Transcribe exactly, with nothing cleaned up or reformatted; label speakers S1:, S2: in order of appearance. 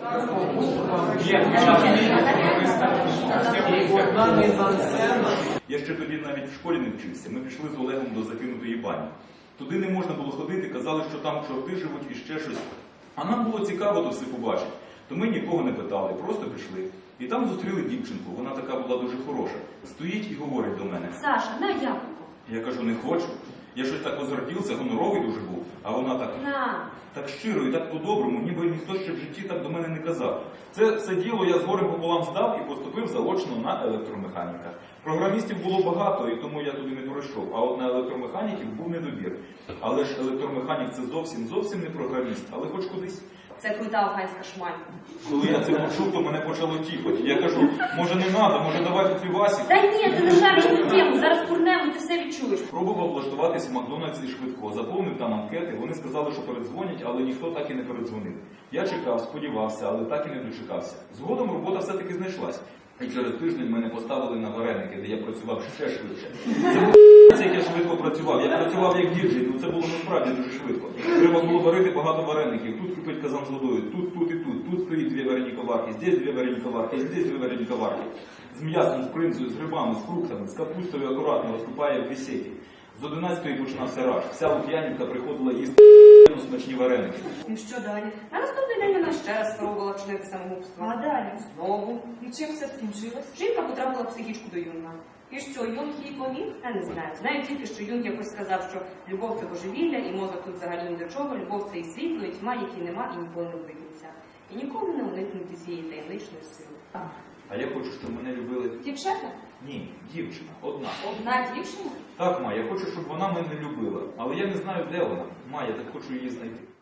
S1: Я ще тоді навіть в школі не вчився. Ми пішли з Олегом до закинутої бані. Туди не можна було ходити, казали, що там чорти живуть і ще щось. А нам було цікаво то все побачити. То ми нікого не питали, просто пішли. І там зустріли дівчинку, вона така була дуже хороша. Стоїть і говорить до мене.
S2: Саша, на яблуко.
S1: Я кажу, не хочу. Я щось так озрадівся, гоноровий дуже був. А вона так,
S2: На.
S1: так щиро і так по-доброму, ніби ніхто ще в житті так до мене не казав. Це все діло я з горем пополам здав і поступив заочно на електромеханіка. Програмістів було багато, і тому я туди не пройшов. А от на електромеханіків був недобір. Але ж електромеханік це зовсім, зовсім не програміст, але хоч кудись.
S2: Це крута афганська шмаль.
S1: Коли я це почув, то мене почало тіпати. Я кажу, може не треба, може давайте півасик.
S2: Та ні, ти не шариш цю тему, зараз курнемо, ти все відчуєш.
S1: Пробував влаштуватись в Макдональдсі швидко, заповнив там анкети, вони сказали, що передзвонять, але ніхто так і не передзвонив. Я чекав, сподівався, але так і не дочекався. Згодом робота все-таки знайшлась. І через тиждень мене поставили на вареники, де я працював ще швидше. Це як я швидко працював. Я працював як діджей, ну це було насправді дуже швидко. Треба було варити багато вареників. Тут кипить казан з водою, тут, тут і тут. Тут стоїть дві варені коварки, здесь дві варені коварки, здесь дві варені коварки. З м'ясом, з бринзою, з грибами, з фруктами, з капустою акуратно розкупає в бесіді. З одинадцятої починався раш. Вся Лук'янівка приходила їсти смачні вареники.
S2: І що далі? На наступний день вона ще раз спробувала вчинити самогубство. А далі? Знову. І чим все скінчилось? Жінка потрапила в психічку до Юнга. І що, Юнг їй поміг? Я не знаю. Знаю тільки, що Юнг якось сказав, що любов – це божевілля, і мозок тут взагалі ні до чого, любов – це і світло, і тьма, які нема, і ніколи не обидеться. І ніколи не уникнути цієї таємничної сили.
S1: А я хочу, щоб мене любили...
S2: Дівчата?
S1: Ні, дівчина. Одна.
S2: Одна дівчина?
S1: Так, Ма, я хочу, щоб вона мене любила. Але я не знаю, де вона. Ма, я так хочу її знайти.